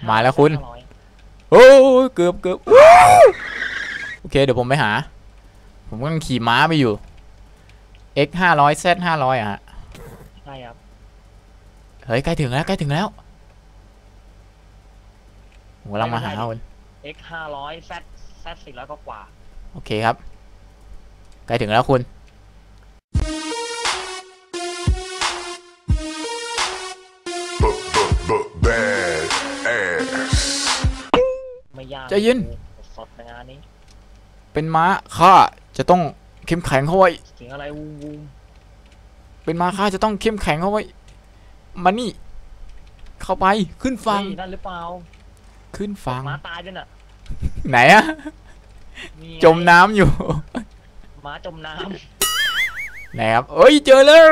มาแล้วคุณโอ้เกือบโอเคเดี๋ยวผมไปหาผมกำลังขี่ม้าไปอยู่ X 500 Z 500อ่ะใช่ครับเฮ้ยใกล้ถึงแล้วผมกำลังมาหาคุณ X 500 Z 400ก็กว่าโอเคครับใกล้ถึงแล้วคุณไม่ยากใจเย็นสดในงานนี้เป็นม้าข้าจะต้องเข้มแข็งเข้าไว้เสียงอะไรวูเป็นม้าข้าจะต้องเข้มแข็งเข้าไว้มานี่เข้าไปขึ้นฟังนั่นหรือเปล่าขึ้นฟังม้าตายด้วยน่ะไหนอะจมน้ำอยู่ม้าจมน้ำไหนครับเอ้ยเจอแล้ว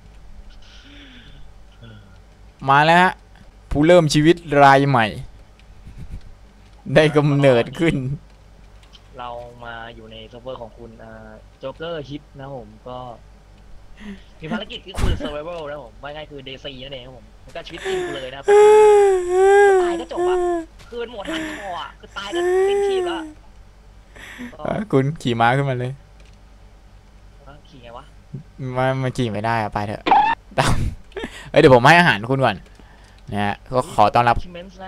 มาแล้วฮะผู้เริ่มชีวิตรายใหม่ได้กำเนิดขึ้นเรามาอยู่ในเซิร์ฟเวอร์ของคุณโจ๊กเกอร์ฮิตนะผมก็มีภารกิจที่คือ survival นะผมว่าง่ายคือ DC นั่นเองครับผมมันก็ชีวิตจริงกูเลยนะครับตายก็จบอะคืนหมดทันคออะคือตายก็สิ้นชีพแล้วคุณขี่ม้าขึ้นมาเลยขี่ไงวะมาขี่ไม่ได้อะไปเถอะเดี๋ยวผมให้อาหารคุณก่อนนะฮะก็ขอต้อนรับ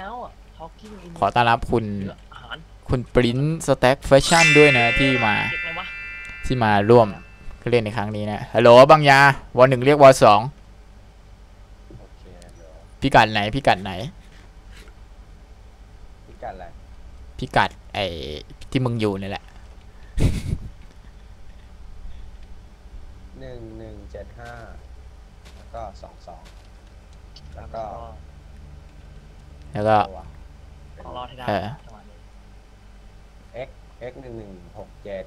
คุณปริ้นสแต็กแฟชั่นด้วยนะที่มาร่วมเล่นในครั้งนี้นะฮัลโหลบางยาวอ1เรียกวอ2พิกัดไหนพิกัดอะไรพิกัดไอ้ที่มึงอยู่นี่แหละ 1175แล้วก็22แล้วก็รอที่ได้ x 1167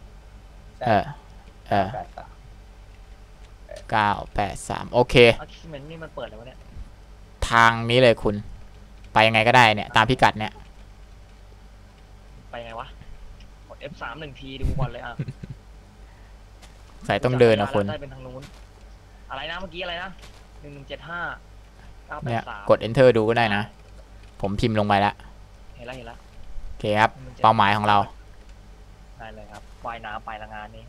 983โอเคนี่มันเปิดแล้วเนี่ยทางนี้เลยคุณไปยังไงก็ได้เนี่ยตามพิกัดเนี่ยไปไงวะกด F3 1 ทีดูก่อนเลยอ่ะใส่ต้องเดินนะคุณได้เป็นทางนู้นอะไรนะเมื่อกี้อะไรนะ1175 เนี่ยกด enter ดูก็ได้นะผมพิมพ์ลงไปแล้วเห็นแล้วโอเคครับเป้าหมายของเราได้เลยครับว่ายน้ำไปละงานนี้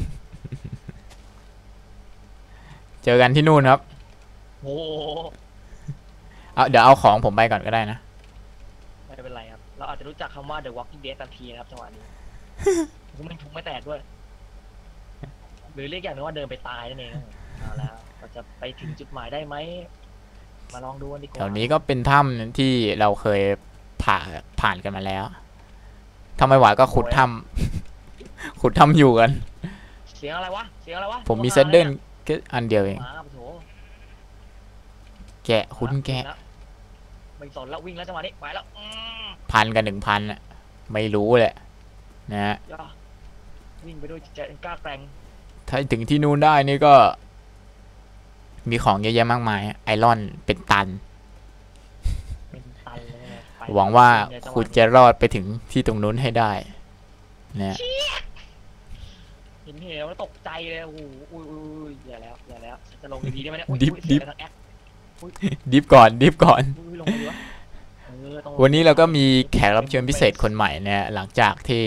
เจอกันที่นู่นครับโอ้เดี๋ยวเอาของผมไปก่อนก็ได้นะไม่เป็นไรครับเราอาจจะรู้จักคำว่า The Walking Dead ทันทีนะครับจังหวะนี้ผมไม่แตกด้วยหรือเรียกอย่างนึงว่าเดินไปตายนั่นเองเอาแล้วเราจะไปถึงจุดหมายได้ไหมมาลองดูกันดีกว่าแถวนี้ก็เป็นถ้ำที่เราเคยผ่านกันมาแล้วถ้าไม่ไหวก็ขุดถ้ำอยู่กันเสียงอะไรวะผมมีเซตเดิลแค่อันเดียวเองแกะคุณแกะไม่สนแล้ววิ่งแล้วจังหวะนี้ไปแล้ว 1,000 กับ 1,000อ่ะไม่รู้แหละนะฮะวิ่งไปด้วยใจกล้าแกร่งถ้าถึงที่นู่นได้นี่ก็มีของเยอะแยะมากมายไอรอนเป็นตันหวังว่าคุณจะรอดไปถึงที่ตรงนู้นให้ได้นะเห็นแล้วตกใจเลยโอ้โหอย่าแล้วจะลงดีได้ไหมเนี่ยดิฟก่อนวันนี้เราก็มีแขกรับเชิญพิเศษคนใหม่เนี่ยหลังจากที่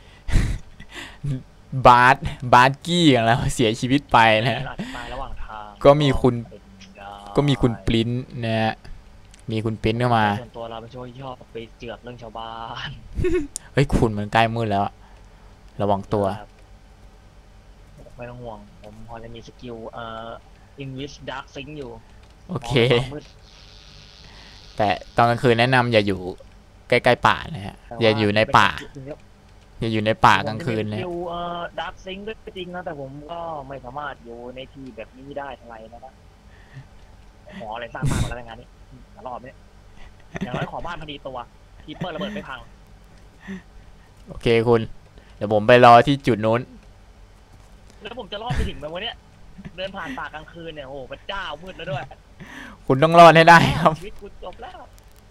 บาร์กี้ของเราเสียชีวิตไปนะก็มีคุณปริ้นนะฮะมีคุณปริ้นเข้ามาส่วนตัวเราเป็นช่วยชอบไปเจือกเรื่องชาวบ้านเฮ้ยคุณมันใกล้มืดแล้วระวังตัวไม่ต้องห่วงผมพอจะมีสกิลEnglish Dark Sync อยู่โอเคแต่ตอนกลางคืนแนะนำอย่าอยู่ใกล้ๆป่านะฮะอย่าอยู่ในป่ากลางคืนเลย Dark Sync ด้วยจริงนะแต่ผมก็ไม่สามารถอยู่ในที่แบบนี้ได้เท่าไหร่นะครับหมออะไรสร้างบ้านมาแล้วงานนี้รอบนี้อย่างน้อยขอบ้านพอดีตัวทีเปิดระเบิดไม่พังโอเคคุณเดี๋ยวผมไปรอที่จุดนู้นแล้วผมจะรอดไปถึงแบบวันนี้เดินผ่านป่ากลางคืนเนี่ยโอ้พระเจ้ามืดแล้วด้วยคุณต้องรอดให้ได้ครับชีวิตกูจบแล้ว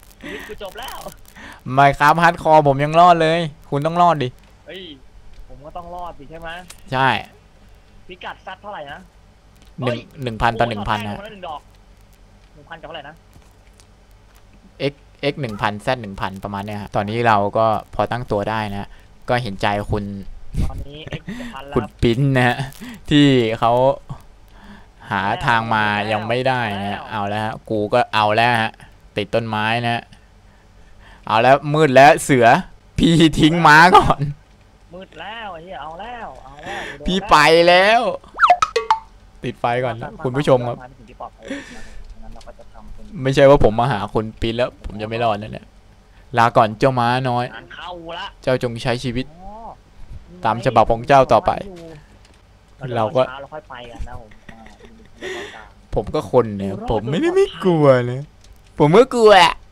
ไม่ครับฮาร์ดคอร์ผมยังรอดเลยคุณต้องรอดดิเฮ้ยผมก็ต้องรอดดิใช่ไหมใช่พิกัดซัดเท่าไหร่นะ 1,000 ต่อ 1,000 นะ 1,000 กับเท่าไหร่นะ x 1000 z 1000ประมาณเนี้ยฮะตอนนี้เราก็พอตั้งตัวได้นะก็เห็นใจคุณตอนนี้เอ็กซ์พันแล้คุวณปิ้นนะฮะที่เขาหาทางมายังไม่ได้นะเอาแล้วฮะกูก็เอาแล้วฮะติดต้นไม้นะ เอาแล้วมืดแล้วเสือพี่ทิ้งม้าก่อนมืดแล้วไอ้เหี้ยเอาแล้วโดนพี่แล้วไปแล้ว ติดไฟก่อนนะคุณผู้ชมครับาถึงที่ปลอดภัยนะครับงั้นเราก็จะทำเป็นไม่ใช่ว่าผมมาหาคุณปิ้นแล้ว ผมจะไม่รอดนะเนี่ยลาก่อนเจ้าม้าน้อยงานเข้าละเจ้าจงใช้ชีวิตอ๋อตามฉบับของเจ้าต่อไป เราก็ช้าเราค่อยไปกันนะผมเดี๋ยวก่อนกลางผมก็คนเนี่ยผมไม่ได้ไม่กลัวนะผมก็กลัว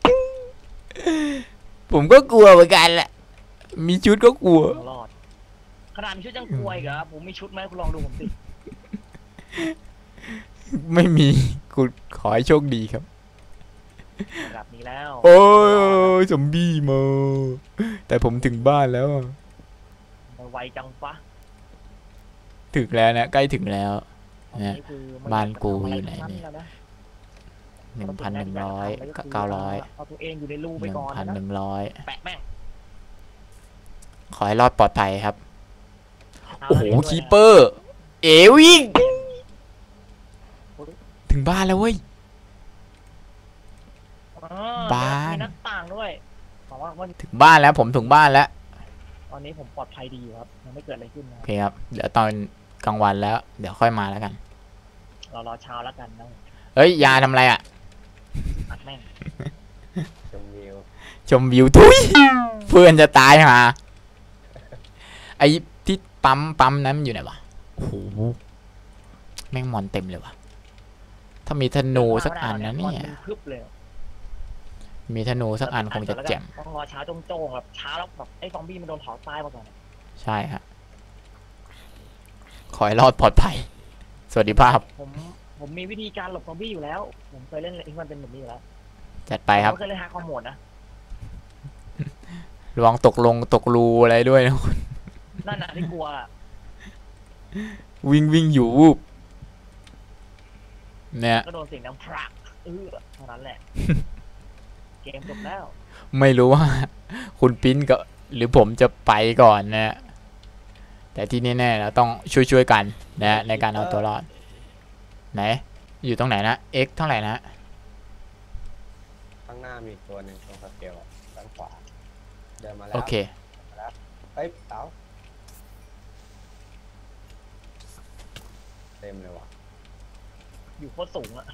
ผมก็กลัวเหมือนกันแหละ มีชุดก็กลัวรอดขนาดมีชุดยังกลัวอีกเหรอผมมีชุดไหมคุณลองดูผมสิไม่มีคุณขอให้โชคดีครับระดับนี้แล้วโอ้ยซอมบี้มาแต่ผมถึงบ้านแล้วอะไวจังปะถึงแล้วนะใกล้ถึงแล้วอันเนี่ยนี้คือมับ้านกูอยู่ทำะไหนรทั้งเนี่ยแล้วะ 1,100 900 เอาตัวเองอยู่ในรูไปก่อนนะ 1,100 แปะแม่งขอให้รอดปลอดภัยครับเาโอ้โหเล่นด้วยนะคีเปอร์ เอวิ่งถึงบ้านแล้วเว้ยอ๋อบ้านมีหน้าต่างด้วยบอกว่าวันถึงบ้านแล้วผมถึงบ้านแล้วตอนนี้ผมปลอดภัยดีอยู่ครับยังไม่เกิดอะไรขึ้นนะโอเคครับ เดี๋ยวตอนกลางวันแล้ว เดี๋ยวค่อยมาแล้วกันเรารอเช้าแล้วกันนะเฮ้ย ยาทำอะไรอ่ะอัดแม่งชมวิวชมวิวทุยเพื่อนจะตายหาไอ้ที่ปั๊มนั้นมันอยู่ไหนวะโอ้โหแม่งมอนเต็มเลยวะถ้ามีธนูสักอันนะเนี่ยมัพึบเลยมีธนูสักอันคงจะแจ่มต้องรอเช้าโจ้งๆแบบเช้าแล้วแบบไอ้ซอมบี้มันโดนเผาตายมาก่อนใช่ฮะขอให้รอดปลอดภัย สวัสดีภาพผมมีวิธีการหลบซอมบี้อยู่แล้ว ผมเคยเล่นอิงมันเป็นแบบนี้อยู่แล้วจัดไปครับผมเคยเล่นฮาร์ดคอมโหมดนะระวังตกรูอะไรด้วยนะคุณนั่นน่ะที่กลัวอะวิ่งอยู่วูบเนี่ยก็โดนเสียงดังพรักเท่านั้นแหละ เกมจบแล้วไม่รู้ว่า คุณปิ้นกับหรือผมจะไปก่อนนะ แต่ที่แน่ๆเราต้องช่วยกันนะในการเอาตัวรอด ไหน อยู่ตรงไหนนะ x เท่าไหร่นะข้างหน้ามีอีกตัวหนึ่งตรงสเกลอะด้านขวา เดินมาแล้วโอเคเฮ้ยเต๋าเต็มเลยว่ะอยู่โคตรสูงอะ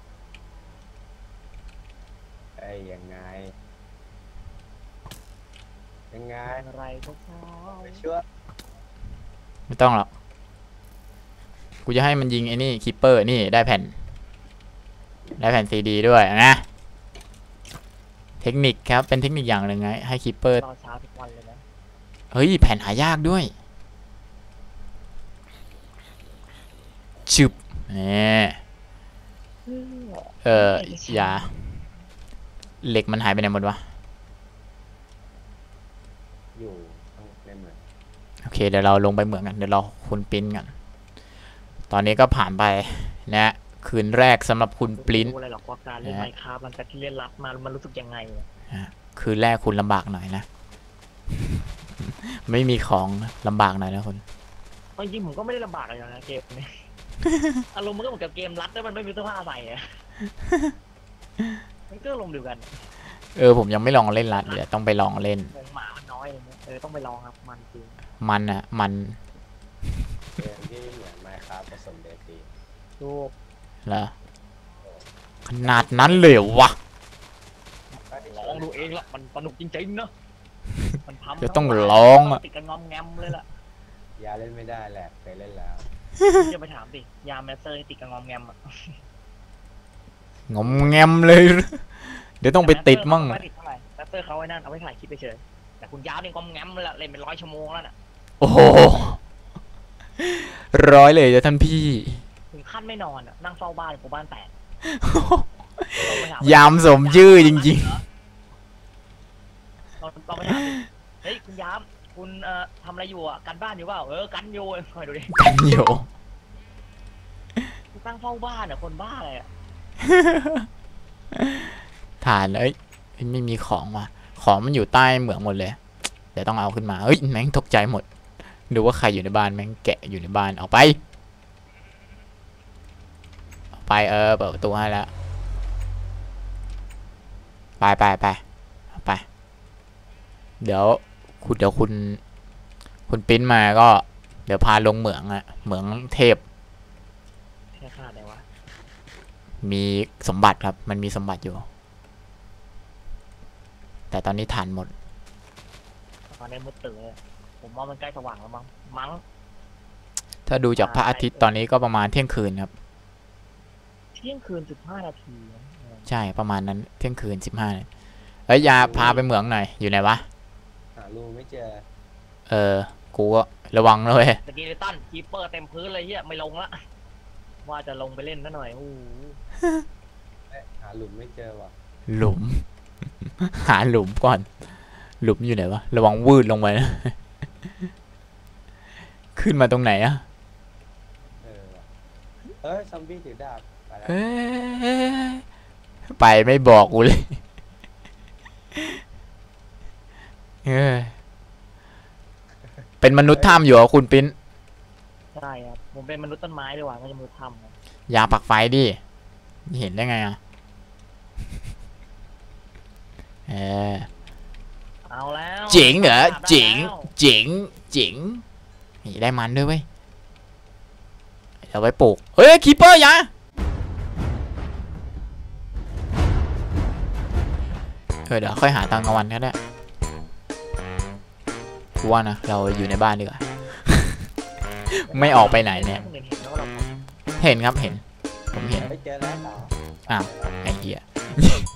เอ้ยยังไง ยังไงอะไรก็เช้าไปช่วยไม่ต้องหรอก กูจะให้มันยิงไอ้นี่คิปเปอร์นี่ได้แผ่นซีดีด้วยนะเทคนิคครับเป็นเทคนิคอย่างหนึ่งไงให้คิปเปอร์รอเช้าทุกวันเลยนะเฮ้ยแผ่นหายากด้วยชึบนี่อย่าเหล็กมันหายไปไหนหมดวะอยู่ข้างในเหมืองโอเคเดี๋ยวเราลงไปเหมืองกันเดี๋ยวรอคุณปริ้นกันตอนนี้ก็ผ่านไปนะคืนแรกสำหรับคุณปริ้นรู้อะไรหรอกว่าการเล่นไมค์คราฟหลังจากที่เล่นรัดมามันรู้สึกยังไงอะคืนแรกคุณลำบากหน่อยนะ ไม่มีของลำบากหน่อยนะคุณเอาจริงๆผมก็ไม่ได้ลำบากอะไรนะเกมนี้ อารมณ์มันก็เหมือนกับเกมรัดแล้วมันไม่มีเสื้อผ้าใส่อะ มันก็ลงเดียวกันผมยังไม่ลองเล่นละเดี๋ยวต้องไปลองเล่นวงหมามันน้อยอะไรเงี้ยต้องไปลองครับมันจริงมันเกมที่เหมือนไมค์ครับผสมเดตีดูเหรอขนาดนั้นเลยเหรอวะลองดูเองละมันสนุกจริงๆเนาะมันพัมเดี๋ยวต้องลองอะติดกันงอมแงมเลยล่ะยาเล่นไม่ได้แหละเคยเล่นแล้วจะไปถามดิยาแมสเซอร์ติดกันงอมแงมอะงอมแงมเลย เดี๋ยวต้องไปติดมั่งไม่ติดเท่าไหร่แมสเซอร์เขาไว้นั่นเอาไว้ถ่ายคลิปไปเฉยแต่คุณยาวเนี่ยงอมแงมเลยละเล่นเป็น100 ชั่วโมงแล้วน่ะโอ้โหร้อยเลยจ้ะท่านพี่ถึงขั้นไม่นอนอะนั่งเฝ้าบ้านกูบ้านแตกยามสมชื่อจริงเราไปถามดิเฮ้ยคุณยามคุณทำอะไรอยู่อ่ะกันบ้านอยู่เปล่ากันอยู่คอยดูดิๆ กันอยู่ตั้งเฝ้าบ้านอ่ะคนบ้าอะไรอ่ะฐานเอ้ยไม่มีของว่ะของมันอยู่ใต้เหมืองหมดเลยเดี๋ยวต้องเอาขึ้นมาเฮ้ยแม่งตกใจหมดดูว่าใครอยู่ในบ้านแม่งแกะอยู่ในบ้านออกไปเปิดประตูให้แล้วไปเดี๋ยวคุณปิ้นมาก็เดี๋ยวพาลงเหมืองอะเหมืองเทพแค่ขาดอะไรวะมีสมบัติครับมันมีสมบัติอยู่แต่ตอนนี้ฐานหมดตอนนี้มืดตื่นเลยผมว่ามันใกล้สว่างแล้วมั้งถ้าดูจากพระอาทิตย์ตอนนี้ก็ประมาณเที่ยงคืนครับเที่ยงคืน15 นาทีนะใช่ประมาณนั้นเที่ยงคืน15ยาพาไปเหมืองหน่อยอยู่ไหนวะหาลูไม่เจอกูก็ระวังเลยสกีเลตันคีเปอร์เต็มพื้นเลยเฮียไม่ลงละว่าจะลงไปเล่นซะหน่อยโอ้โหหาหลุมไม่เจอว่ะหลุม หาหลุมก่อน หลุมอยู่ไหนวะระวังวืดลงไปนะ ขึ้นมาตรงไหนอะว่ะซอมบี้ถือดาบไปแล้วไปไม่บอกกูเลยเป็นมนุษย์ถ้ำอยู่เหรอคุณปิ้นใช่ครับผมเป็นมนุษย์ต้นไม้ดีกว่าไม่ใช่มนุษย์ถ้ำนะยาปักไฟดิเห็นได้ไงอะเอาแล้วเจ๋งเหรอได้แล้วเจ๋งนี่ได้มันด้วยเว้ยเอาไว้ปลูกเฮ้ยคีเปอร์ยาเดี๋ยวค่อยหาตอนกลางวันก็ได้กูว่านะเราอยู่ในบ้านดีกว่า ไม่ออกไปไหนเนี่ยคห็นแล้วเราเห็นครับเห็นผมเห็นเจอแล้วต่ออ้าวไอ้เหี้ย